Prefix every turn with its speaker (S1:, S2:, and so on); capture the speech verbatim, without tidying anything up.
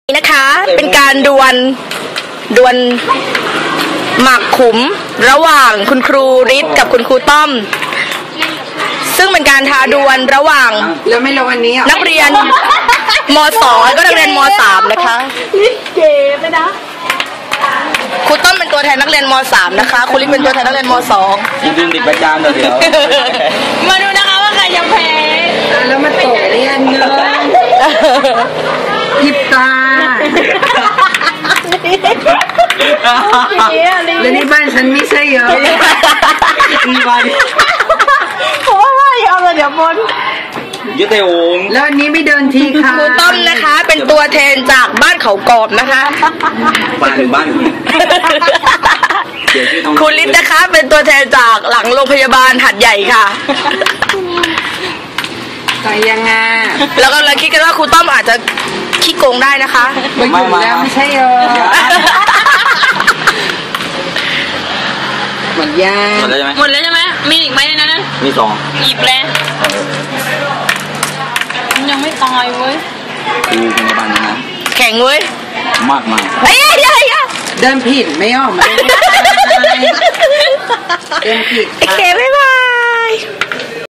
S1: นะคะเป็นการดวลดวลหมากขุมระหว่างคุณครูฤทธิ์กับคุณครูต้อมซึ่งเป็นการท้าดวลระหว่าง
S2: แล้วไม่รู้วันนี้
S1: นักเรียนม.สอง แล้วก็นักเรียนม.สาม นะคะ
S3: เก๋ไปนะ
S1: ครูต้อมเป็นตัวแทนนักเรียนม.สาม นะคะครูฤทธิ์เป็นตัวแทนนักเรียนม.สอง
S4: ยืนติดประจานเดี๋ยว
S3: มาดูนะคะว่าใครจะแพ้
S2: แล้วมาโตเรียนเนอะยิบตาแล้วนี่บ้านฉันไม่ใช่เยอะ
S4: นี่บ้าน
S3: โอ้ยเอาเลยเดี๋ยวบน
S4: ยึดเตวง
S2: แล้วอันนี้ไม่เดินทีค่ะ
S1: ครูต้อมนะคะเป็นตัวแทนจากบ้านเขากรอบนะคะ
S4: บ้านหรือบ้าน
S1: ครูฤทธิ์นะคะเป็นตัวแทนจากหลังโรงพยาบาลหัดใหญ่ค่ะ
S2: ใจยังไง
S1: แล้วก็เราคิดกันว่าครูต้อมอาจจะขี้โกงได้นะคะ
S2: ไม่หยุดแล้วไม่ใช่เออหมดยา
S4: หมดแล้วใช่ไหม
S3: หมดแล้วใช่ไหมมีอีกไหมในนั้น
S4: มีสอง
S3: หยิบแล้วยังไม่ตายเว้ย
S4: ดูพยาบาลนะ
S1: แข็งเว้ย
S4: มากมาก
S1: เฮ้ยเฮ้ย
S2: เดินผิดไม่ออกมาเดินผิด
S1: โอเคบ๊ายบาย